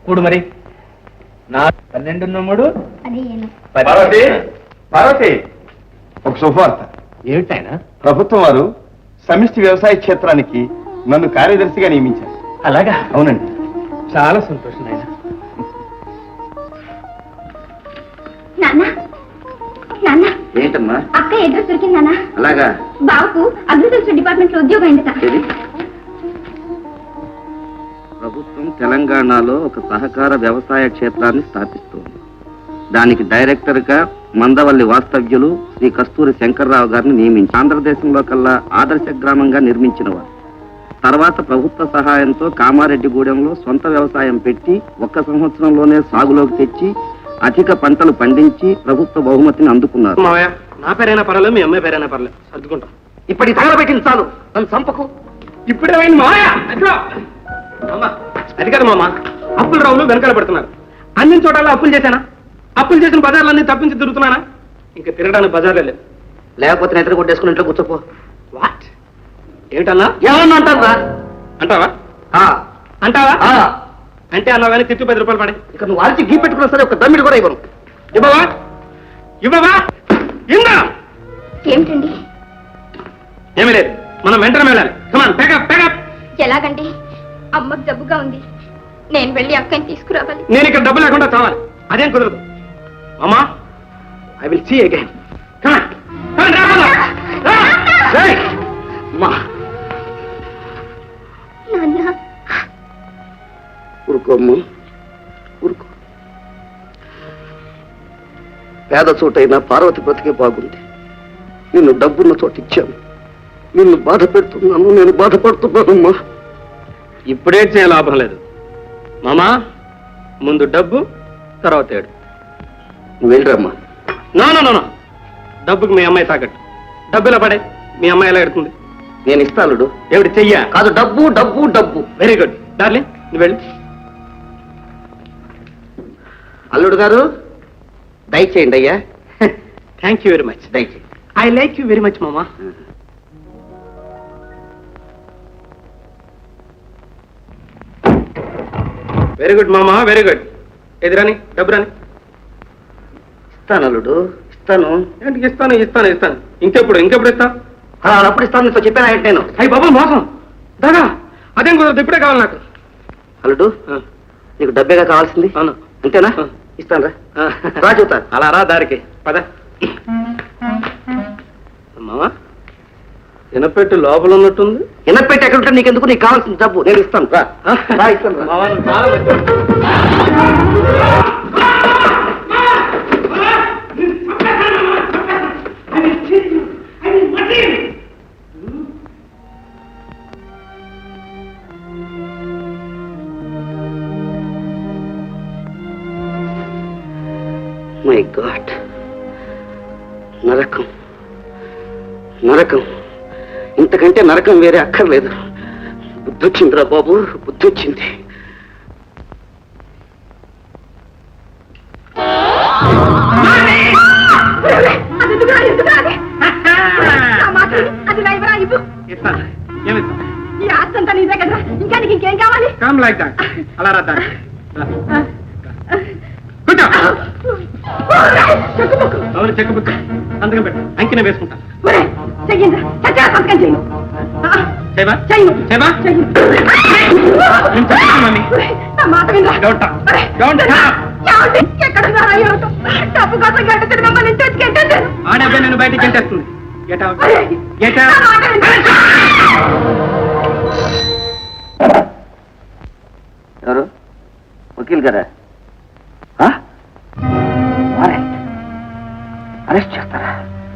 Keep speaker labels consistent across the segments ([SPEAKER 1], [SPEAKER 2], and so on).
[SPEAKER 1] కూడు మరి. 12
[SPEAKER 2] పార్వతి, పార్వతి, ఒక శుభవార్త.
[SPEAKER 1] ఏమిటాయన?
[SPEAKER 2] ప్రభుత్వం వారు సమిష్టి వ్యవసాయ క్షేత్రానికి నన్ను కార్యదర్శిగా నియమించారు.
[SPEAKER 1] అలాగా?
[SPEAKER 2] అవునండి.
[SPEAKER 1] చాలా సంతోషం నాయన.
[SPEAKER 2] ఏంటమ్మా?
[SPEAKER 3] అక్క అడ్రస్ దొరికిందా?
[SPEAKER 2] అలాగా?
[SPEAKER 3] బాబుకు అగ్రికల్చర్ డిపార్ట్మెంట్ లో ఉద్యోగం అయిందట.
[SPEAKER 4] ప్రభుత్వం తెలంగాణలో ఒక సహకార వ్యవసాయ క్షేత్రాన్ని స్థాపిస్తోంది. దానికి డైరెక్టర్ గా మందవల్లి వాస్తవ్యులు శ్రీ కస్తూరి శంకర్రావు గారిని నియమించి ఆంధ్రదేశంలో కల్లా ఆదర్శ గ్రామంగా నిర్మించిన వారు. తర్వాత ప్రభుత్వ సహాయంతో కామారెడ్డిగూడెంలో సొంత వ్యవసాయం పెట్టి 1 సంవత్సరంలోనే సాగులోకి తెచ్చి అధిక పంటలు పండించి ప్రభుత్వ బహుమతిని అందుకున్నారు.
[SPEAKER 1] మావయ్య, నా పేరైనా పర్వాలేదు, మీ అమ్మాయి పేరైనా పర్లేదు, సర్దుకుంటాం.
[SPEAKER 4] ఇప్పటికి తగలబెట్టింది చాలు, నన్ను చంపకు.
[SPEAKER 1] ఇప్పుడేమైంది మావయ్య? అది కదా మామ, అప్పులు రావులు వెనకాల పడుతున్నారు. అన్ని చోట్ల అప్పులు చేశానా? అప్పులు చేసిన బజార్లన్నీ తప్పించి తిరుగుతున్నానా? ఇంకా తిరగడానికి బజార్లే లేదు.
[SPEAKER 4] లేకపోతే నిద్ర కొట్టేసుకుని ఇంట్లో కూర్చోపో.
[SPEAKER 1] వాట్? ఏమిటన్నా?
[SPEAKER 4] ఏమన్నా అంటారా?
[SPEAKER 1] అంటావా? అంటావా? అంటే అన్నా కానీ తిట్టు 10 రూపాయలు పడే.
[SPEAKER 4] ఇక నువ్వు అరిచి గీ పెట్టుకున్నా సరే ఒక దమ్మిడి కూడా ఇవ్వను.
[SPEAKER 1] ఇవ్వవా? ఇవ్వవా? ఇందా
[SPEAKER 3] ఏమిటండి?
[SPEAKER 1] ఏమీ లేదు, మనం వెంటనే వెళ్ళాలి. Come on, pack up pack up.
[SPEAKER 3] ఎలాగండి? అమ్మకు జబ్బుగా ఉంది, నేను వెళ్ళి అక్కని తీసుకురావాలి.
[SPEAKER 1] నేను ఇక్కడ డబ్బు లేకుండా చావాలి, అదేం కుదరదు. మామా, I will see again. Come on come on, రా.
[SPEAKER 4] అమ్మా
[SPEAKER 3] నాన్న,
[SPEAKER 4] ఊరుకో అమ్మా, ఊరుకో. పేద చోటైనా పార్వతి బ్రతికే బాగుంది. నిన్ను డబ్బున్న చోట ఇచ్చాను, నిన్ను బాధ పెడుతున్నాను, నేను బాధపడుతున్నానమ్మా.
[SPEAKER 1] ఇప్పుడే చేయ లాభం లేదు మామా, ముందు డబ్బు తర్వాత ఏడు.
[SPEAKER 4] నువ్వు వెళ్ళరమ్మా.
[SPEAKER 1] నో నో నో, డబ్బుకి మీ అమ్మాయి తాకట్టు. డబ్బు ఇలా పడే, మీ అమ్మాయి ఎలా ఎడుతుంది?
[SPEAKER 4] నేను ఇస్తాను.
[SPEAKER 1] ఏమిటి చెయ్యా?
[SPEAKER 4] కాదు, డబ్బు డబ్బు డబ్బు.
[SPEAKER 1] వెరీ గుడ్ డార్లింగ్, నువ్వు వెళ్ళి.
[SPEAKER 4] అల్లుడు గారు దయచేయండి అయ్యా.
[SPEAKER 1] Thank you very much.
[SPEAKER 4] దయచేయండి.
[SPEAKER 1] I like you very much మామా. వెరీ గుడ్ మామా, వెరీ గుడ్. ఎదురాని డబ్బు రాని.
[SPEAKER 4] ఇస్తాను అల్లుడు, ఇస్తాను.
[SPEAKER 1] ఏంటి ఇస్తాను ఇస్తాను ఇస్తాను? ఇంకెప్పుడు ఇస్తా?
[SPEAKER 4] అప్పుడు ఇస్తాను, నీతో చెప్పాను ఏంటి నేను.
[SPEAKER 1] అయ్యి బాబా, మోసం దాదా, అదేం కుదరదు, ఇప్పుడే కావాలి నాకు.
[SPEAKER 4] అల్లుడు, నీకు డబ్బేగా కావాల్సింది?
[SPEAKER 1] అవును.
[SPEAKER 4] అంతేనా? ఇస్తాను రా. రా చూతా.
[SPEAKER 1] అలా రా దారికి పద. మామా, ఎనపెట్టు లోపల ఉన్నట్టుంది.
[SPEAKER 4] ఎనపెట్టి ఎక్కడ ఉంటే నీకెందుకు? నీకు కావాల్సిన డబ్బు నేను ఇస్తాను. రా ఇస్తాను. మై గాడ్, నరకం నరకం, ఇంతకంటే నరకం వేరే అక్కర్లేదు. బుద్ధి వచ్చిందిరా బాబు, బుద్ధి వచ్చింది.
[SPEAKER 3] ఈ ఆస్తంతా నీదే కదా, ఇంకా నీకు ఇంకేం కావాలి?
[SPEAKER 1] Come like that. అలా రా దారి. కూర్చో. అవును, చెక్ బుక్ సంతకం పెట్టు, అంకిన వేసుకుంటా. ఆడబ్బే నేను బయటికి గెంటేస్తుంది.
[SPEAKER 4] ఎవరు? వకీల్ గారా? అరెస్ట్ చేస్తారా?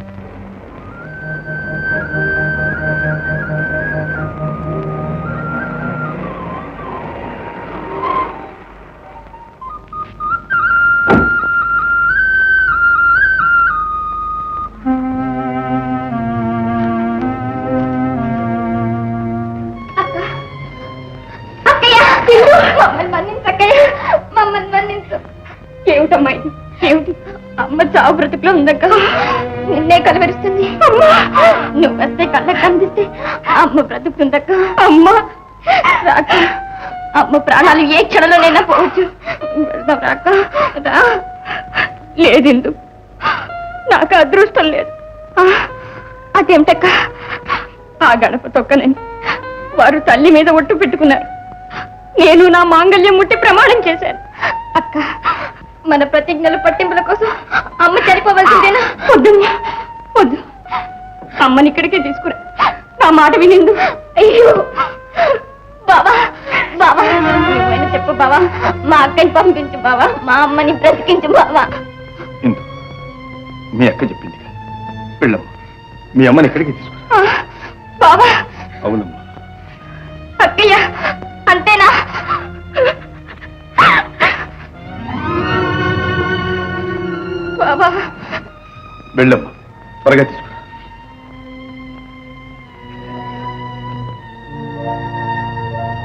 [SPEAKER 3] మమ్మల్ని మన్నించు. ఏమిటమ్మా ఏమిటి? అమ్మ చావు బ్రతుకులో ఉందక్క, నిన్నే కలవరిస్తుంది. నువ్వు వస్తే కళ్ళకి కనిపిస్తే అమ్మ బ్రతుకుతుందక్క. అమ్మ రాక అమ్మ ప్రాణాలు ఏ క్షణంలోనైనా పోవచ్చు. వెళ్దాం రాక రా. లేదిందు, నాకు అదృష్టం లేదు. అదేమిటక్క, ఆ గడప తొక్కనని వారు తల్లి మీద ఒట్టు పెట్టుకున్నారు. నేను నా మాంగళ్యం ముట్టి ప్రమాణం చేశాను. అక్క, మన ప్రతిజ్ఞల పట్టింపుల కోసం అమ్మ చనిపోవలసిందేనా? వద్దు వద్దు, అమ్మని ఇక్కడికే తీసుకురా. నా మాట వినిందు. అయ్యో బావా, బావా నువ్వైనా చెప్పు బావా, మా అక్కని పంపించు బావా, మా అమ్మని బ్రతికించు బావా.
[SPEAKER 2] ఇందు, మీ అక్క చెప్పింది కదా, వెళ్ళమ్మా, మీ అమ్మని ఇక్కడికి తీసుకురా.
[SPEAKER 3] బావా.
[SPEAKER 2] అవునమ్మా.
[SPEAKER 3] అక్కయ్య, అంతేనా?
[SPEAKER 2] వెళ్ళమ్మా, త్వరగా తీసుకురా.